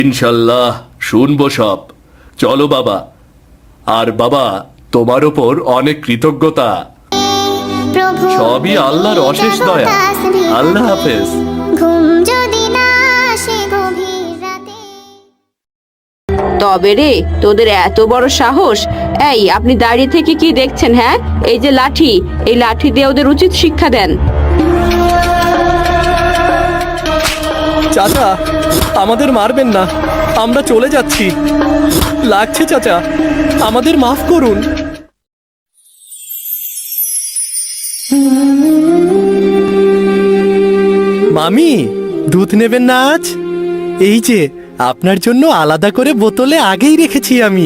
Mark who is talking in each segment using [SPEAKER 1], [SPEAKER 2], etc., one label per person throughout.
[SPEAKER 1] ইনশাল্লাহ শুনবো সব। চলো বাবা। আর বাবা, তোমার ওপর অনেক কৃতজ্ঞতা। সবই আল্লাহর অশেষ দয়া। আল্লাহ হাফেজ।
[SPEAKER 2] তবে রে, তোদের এত বড় সাহস! এই, আপনি দাঁড়িয়ে থেকে কি দেখছেন? হ্যাঁ, এই যে লাঠি, এই লাঠি দিয়ে ওদের উচিত শিক্ষা দেন।
[SPEAKER 3] চাচা, আমাদের মারবেন না, আমরা চলে যাচ্ছি। লাগছে চাচা, আমাদের মাফ করুন। মামি, দুধ নেবেন না আজ? এই যে আপনার জন্য আলাদা করে বোতলে আগেই রেখেছি আমি।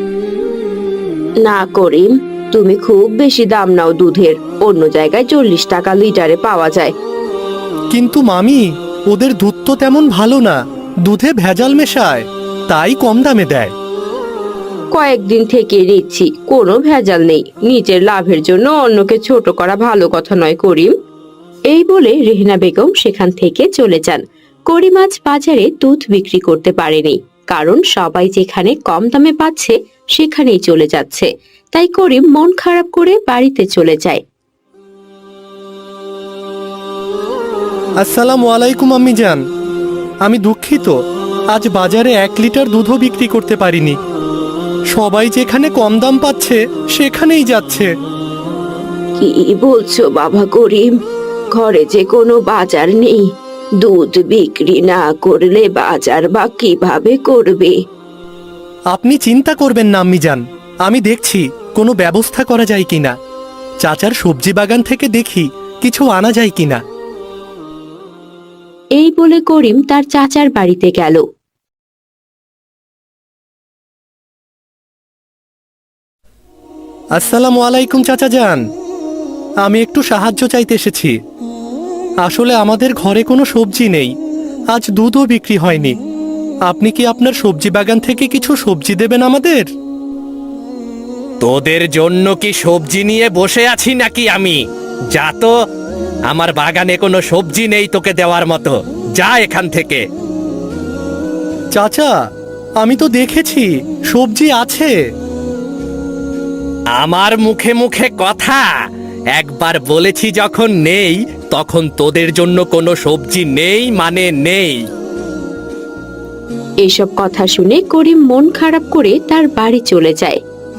[SPEAKER 2] না করিম, তুমি খুব বেশি দাম নাও দুধের। অন্য জায়গায় 40 টাকা লিটারে পাওয়া যায়।
[SPEAKER 3] কিন্তু মামি, ওদের দুধ তো তেমন ভালো না, দুধে ভেজাল মেশায়, তাই কম দামে দেয়।
[SPEAKER 2] কয়েকদিন থেকে নিচ্ছি, কোনো ভেজাল নেই। নিজের লাভের জন্য অন্যকে ছোট করা ভালো কথা নয় করিম। এই বলে রেহেনা বেগম সেখান থেকে চলে যান। করিম আজ বাজারে দুধ বিক্রি করতে পারেনি, কারণ সবাই যেখানে কম দামে পাচ্ছে সেখানেই চলে যাচ্ছে। তাই করিম মন খারাপ করে বাড়িতে চলে যায়।
[SPEAKER 3] আসসালামু আলাইকুম আম্মি জান, আমি দুঃখিত, আজ বাজারে 1 লিটার দুধও বিক্রি করতে পারিনি। সবাই যেখানে কম দাম পাচ্ছে সেখানেই যাচ্ছে।
[SPEAKER 2] কি বলছো বাবা করিম? ঘরে যে কোনো বাজার নেই, দুধ বিক্রি না করলে বাজার বা কিভাবে করবে?
[SPEAKER 3] আপনি চিন্তা করবেন না আম্মি জান, আমি দেখছি কোনো ব্যবস্থা করা যায় কিনা। চাচার সবজি বাগান থেকে দেখি কিছু আনা যায় কিনা।
[SPEAKER 2] এই বলে করিম তার চাচার বাড়িতে গেল।
[SPEAKER 3] আসসালামু আলাইকুম চাচা যান, আমি একটু সাহায্য চাইতে এসেছি। আসলে আমাদের ঘরে কোনো সবজি নেই, আজ দুধও বিক্রি হয়নি। আপনি কি আপনার সবজি বাগান থেকে কিছু সবজি দেবেন আমাদের?
[SPEAKER 4] তোদের জন্য কি সবজি নিয়ে বসে আছি নাকি আমি? যা তো, আমার বাগানে কোনো সবজি নেই তোকে দেওয়ার মতো, যা এখান থেকে।
[SPEAKER 3] চাচা, আমি তো দেখেছি সবজি আছে।
[SPEAKER 4] আমার মুখে মুখে কথা, একবার বলেছি যখন নেই, তখন তোদের জন্য কোনো সবজি নেই মানে নেই।
[SPEAKER 2] এসব কথা শুনে করিম মন খারাপ করে তার বাড়ি চলে যায়।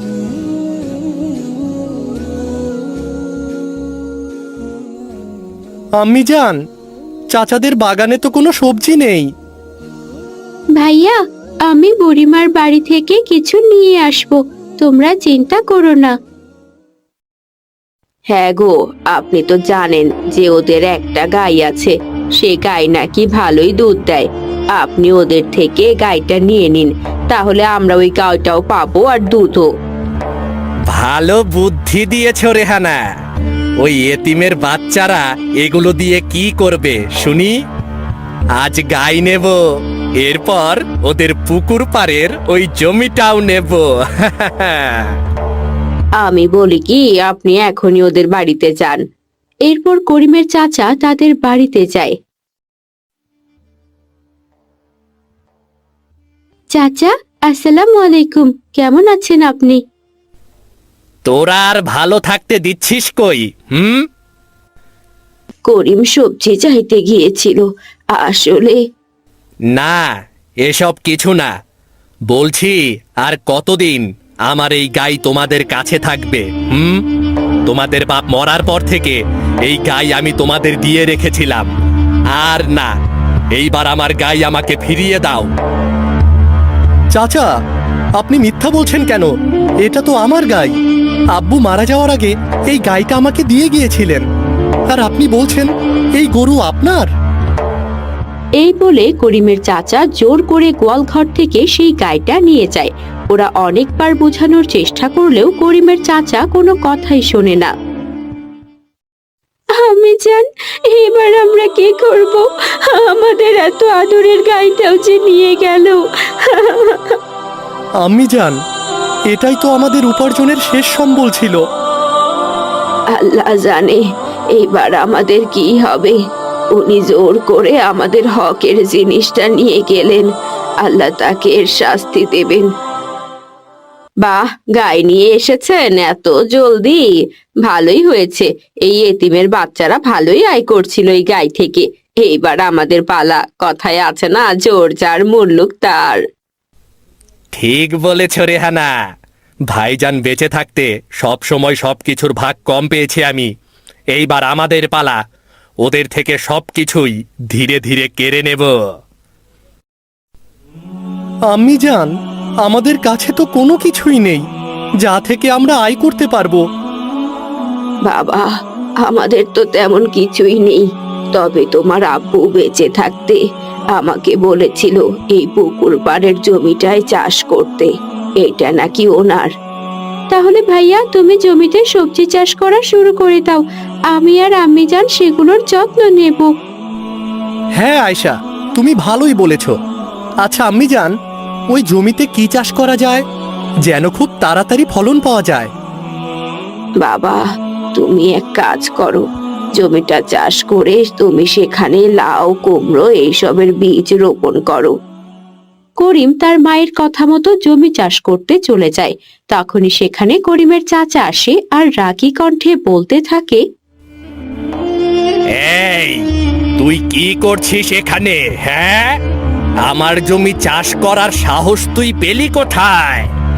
[SPEAKER 3] আম্মি জান, চাচাদের বাগানে তো কোনো সবজি নেই।
[SPEAKER 2] ভাইয়া, আমি বুড়িমার বাড়ি থেকে কিছু নিয়ে আসবো, তোমরা চিন্তা করো না। হ্যাঁ গো, আপনি তো জানেন যে ওদের একটা গাই আছে, সে গাই নাকি ভালোই দুধ দেয়। আপনি ওদের থেকে গাইটা নিয়ে নিন, তাহলে আমরা ওই গাইটাও পাবো আর দুধও।
[SPEAKER 4] ভালো বুদ্ধি দিয়েছ রেহানা। ওই এতিমের বাচ্চারা এগুলো দিয়ে কি করবে শুনি? আজ গাই নেব, এরপর ওদের পুকুর পাড়ের ওই জমিটাও নেব।
[SPEAKER 2] আমি বলি কি, আপনি এখনই ওদের বাড়িতে যান। এরপর করিমের চাচা তাদের বাড়িতে যায়। চাচা, আসসালামু আলাইকুম, কেমন আছেন আপনি?
[SPEAKER 4] তোরা আর ভালো থাকতে দিচ্ছিস কই?
[SPEAKER 2] করিম সবজি চাইতে গিয়েছিল, আসলে।
[SPEAKER 4] না, এসব কিছু না। বলছি, আর কতদিন আমার এই গাই তোমাদের কাছে থাকবে? তোমাদের বাপ মরার পর থেকে এই গাই আমি তোমাদের দিয়ে রেখেছিলাম। আর না, এইবার আমার গাই আমাকে ফিরিয়ে দাও।
[SPEAKER 3] চাচা, আপনি মিথ্যা বলছেন কেন? এটা তো আমার গাই। আব্বু মারা যাওয়ার আগে এই গাইটা আমাকে দিয়ে গিয়েছিলেন, আর আপনি বলছেন এই গরু আপনার?
[SPEAKER 2] এই বলে করিমের চাচা জোর করে গোয়ালঘর থেকে সেই গাইটা নিয়ে যায়। ওরা অনেকবার বোঝানোর চেষ্টা করলেও করিমের চাচা কোনো কথাই শোনে না। আমি জান, এবার আমরা কি করব? আমাদের এত আদরের গাইটাও যে নিয়ে গেল।
[SPEAKER 3] আম্মি জান, এটাই তো আমাদের উপার্জনের শেষ সম্বল ছিল।
[SPEAKER 2] আল্লাহ জানে এইবার আমাদের কি হবে। উনি জোর করে আমাদের হকের জিনিসটা নিয়ে গেলেন, আল্লাহ তাকে এর শাস্তি দেবেন। বাহ, গাই নিয়ে এসেছেন এত জলদি, ভালোই হয়েছে। এই এতিমের বাচ্চারা ভালোই আয় করছিল এই গাই থেকে। এইবার আমাদের পালা, কথায় আছে না, জোর যার মুল্লুক তার।
[SPEAKER 4] ঠিক বলেছ রেহানা, ভাইজান বেঁচে থাকতে সব সময় সবকিছুর ভাগ কম পেয়েছি আমি। এইবার আমাদের পালা, ওদের থেকে সবকিছুই ধীরে ধীরে কেড়ে নেব।
[SPEAKER 3] আম্মি জান, আমাদের কাছে তো কোনো কিছুই নেই যা থেকে আমরা আয় করতে পারবো।
[SPEAKER 2] বাবা, আমাদের তো তেমন কিছুই নেই, তবে তোমার আব্বু বেঁচে থাকতে আমাকে বলেছিল এই পুকুর পাড়ের জমিটায় চাষ করতে, এটা নাকি ওনার। তাহলে ভাইয়া, তুমি জমিতে সবজি চাষ করা শুরু করে দাও, আমি আর আম্মি জান সেগুলোর যত্ন নেব।
[SPEAKER 3] হ্যাঁ আয়শা, তুমি ভালোই বলেছ। আচ্ছা আম্মি জান, ওই জমিতে কি চাষ করা যায় যেন খুব তাড়াতাড়ি ফলন পাওয়া যায়?
[SPEAKER 2] বাবা, তুমি এক কাজ করো, জমিটা চাষ করে তুমি সেখানে লাউ, কুমড়ো এইসবের বীজ রোপণ করো। করিম তার মায়ের কথা মতো জমি চাষ করতে চলে যায়। তখনই সেখানে করিমের চাচা আসে আর রাগী কণ্ঠে বলতে থাকে,
[SPEAKER 4] এই, তুই কি করছিস এখানে? হ্যাঁ, আমার জমি চাষ করার সাহস তুই পেলি কোথায়?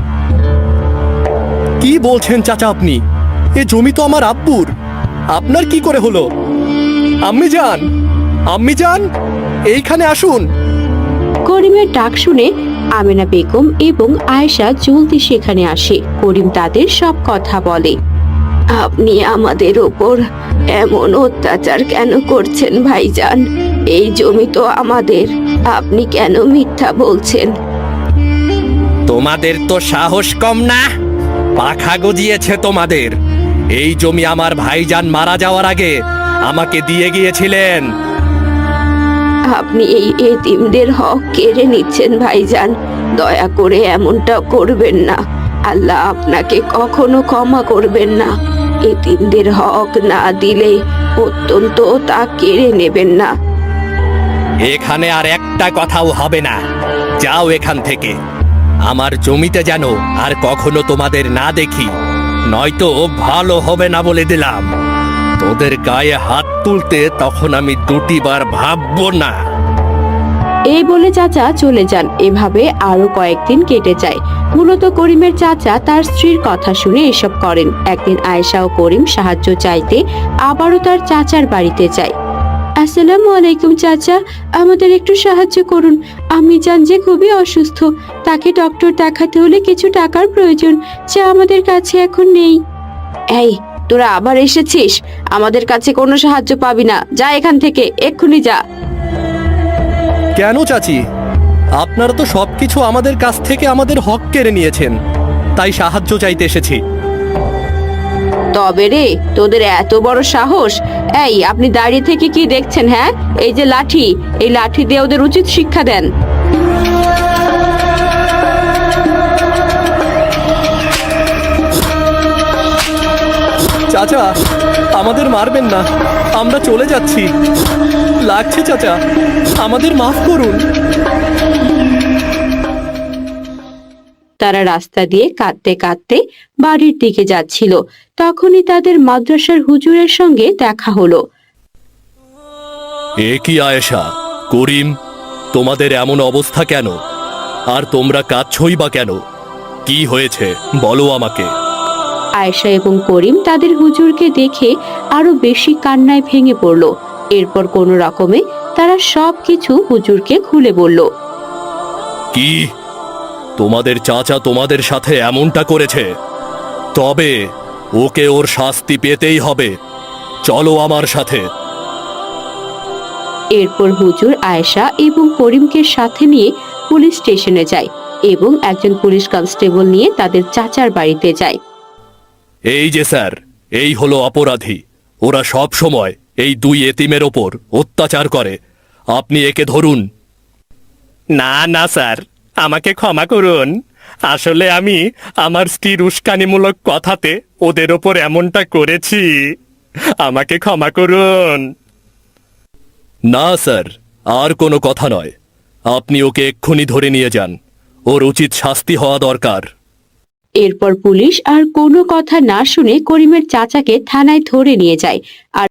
[SPEAKER 3] কি বলছেন চাচা আপনি? এ জমি তো আমার আব্বুর, আপনার কি করে হলো? আম্মি জান, আম্মি জান, এইখানে আসুন।
[SPEAKER 2] করিমের ডাক শুনে আমেনা বেগম এবং আয়েশা জলদি সেখানে আসে। করিম তাদের সব কথা বলে। আপনি আমাদের ওপর এমন অত্যাচার কেন করছেন ভাইজান? এই জমি তো আমাদের, আপনি কেন মিথ্যা বলছেন?
[SPEAKER 4] তোমাদের তো সাহস কম না? পাখা গজিয়েছে তোমাদের। এই জমি আমার ভাইজান মারা যাওয়ার আগে আমাকে দিয়ে গিয়েছিলেন।
[SPEAKER 2] আপনি এই এতিমদের হক কেড়ে নিচ্ছেন ভাইজান, দয়া করে এমনটা করবেন না। আল্লাহ আপনাকে কখনো ক্ষমা করবেন না। এতিমদের হক না দিলে অত্যন্ত তা কেড়ে নেবেন না।
[SPEAKER 4] এখানে আর একটা কথাও হবে না, যাও এখান থেকে। আমার জমিতে যেন আর কখনো তোমাদের না দেখি, নয়তো ভালো হবে না বলে দিলাম। তোদের গায়ে হাত তুলতে তখন আমি দুটিবার ভাববো না।
[SPEAKER 2] এই বলে চাচা চলে যান। এভাবে আরো কয়েকদিন কেটে যায়। মূলত করিমের চাচা তার স্ত্রীর কথা শুনে এসব করেন। একদিন আয়েশা ও করিম সাহায্য চাইতে আবারও তার চাচার বাড়িতে যায়। আসসালামু আলাইকুম চাচা, আমাদের একটু সাহায্য করুন। আমি জান যে খুবই অসুস্থ, তাকে ডক্টর দেখাতে হলে কিছু টাকার প্রয়োজন, যা আমাদের কাছে এখন নেই। এই, তোরা আবার এসেছিস? আমাদের কাছে কোনো সাহায্য পাবি না, যা এখান থেকে, এক্ষুনি যা।
[SPEAKER 3] কেন চাচি? আপনারা তো সবকিছু আমাদের কাছ থেকে আমাদের হক কেড়ে নিয়েছেন, তাই সাহায্য চাইতে এসেছি।
[SPEAKER 2] তবে রে, তোদের এত বড় সাহস! এই, আপনি দাঁড়িয়ে থেকে কি দেখছেন? হ্যাঁ, এই যে লাঠি, এই লাঠি দিয়ে ওদের উচিত শিক্ষা দেন।
[SPEAKER 3] চাচা, আমাদের মারবেন না, আমরা চলে যাচ্ছি। লাগছে চাচা, আমাদের মাফ করুন।
[SPEAKER 2] তারা রাস্তা দিয়ে কাঁদতে কাঁদতে বাড়ির দিকে যাচ্ছিল। তখনই তাদের মাদ্রাসার হুজুরের সঙ্গে দেখা হলো।
[SPEAKER 1] এ কি আয়েশা, করিম, তোমাদের এমন অবস্থা কেন? আর তোমরা কাঁদছই বা কেন? কি হয়েছে বলো আমাকে।
[SPEAKER 2] আয়েশা এবং করিম তাদের হুজুরকে দেখে আরো বেশি কান্নায় ভেঙে পড়ল। এরপর কোনো রকমে তারা সবকিছু হুজুরকে খুলে বলল।
[SPEAKER 1] কি, তোমাদের চাচা তোমাদের সাথে এমনটা করেছে? তবে ওকে ওর শাস্তি পেতেই হবে। চলো আমার সাথে।
[SPEAKER 2] এরপর হুজুর আয়েশা এবং করিমকে সাথে নিয়ে পুলিশ স্টেশনে যায় এবং একজন পুলিশ কনস্টেবল নিয়ে তাদের চাচার বাড়িতে যায়।
[SPEAKER 1] এই যে স্যার, এই হলো অপরাধী। ওরা সব সময় এই দুই এতিমের ওপর অত্যাচার করে। আপনি একে ধরুন।
[SPEAKER 4] না না স্যার, আমাকে ক্ষমা করুন। আসলে আমি আমার স্ত্রীর উস্কানিমূলক কথাতে ওদের ওপর এমনটা করেছি। আমাকে ক্ষমা করুন।
[SPEAKER 1] না স্যার, আর কোনো কথা নয়। আপনি ওকে এক্ষুনি ধরে নিয়ে যান। ওর উচিত শাস্তি হওয়া দরকার।
[SPEAKER 2] এরপর পুলিশ আর কোনো কথা না শুনে করিমের চাচাকে থানায় ধরে নিয়ে যায় আর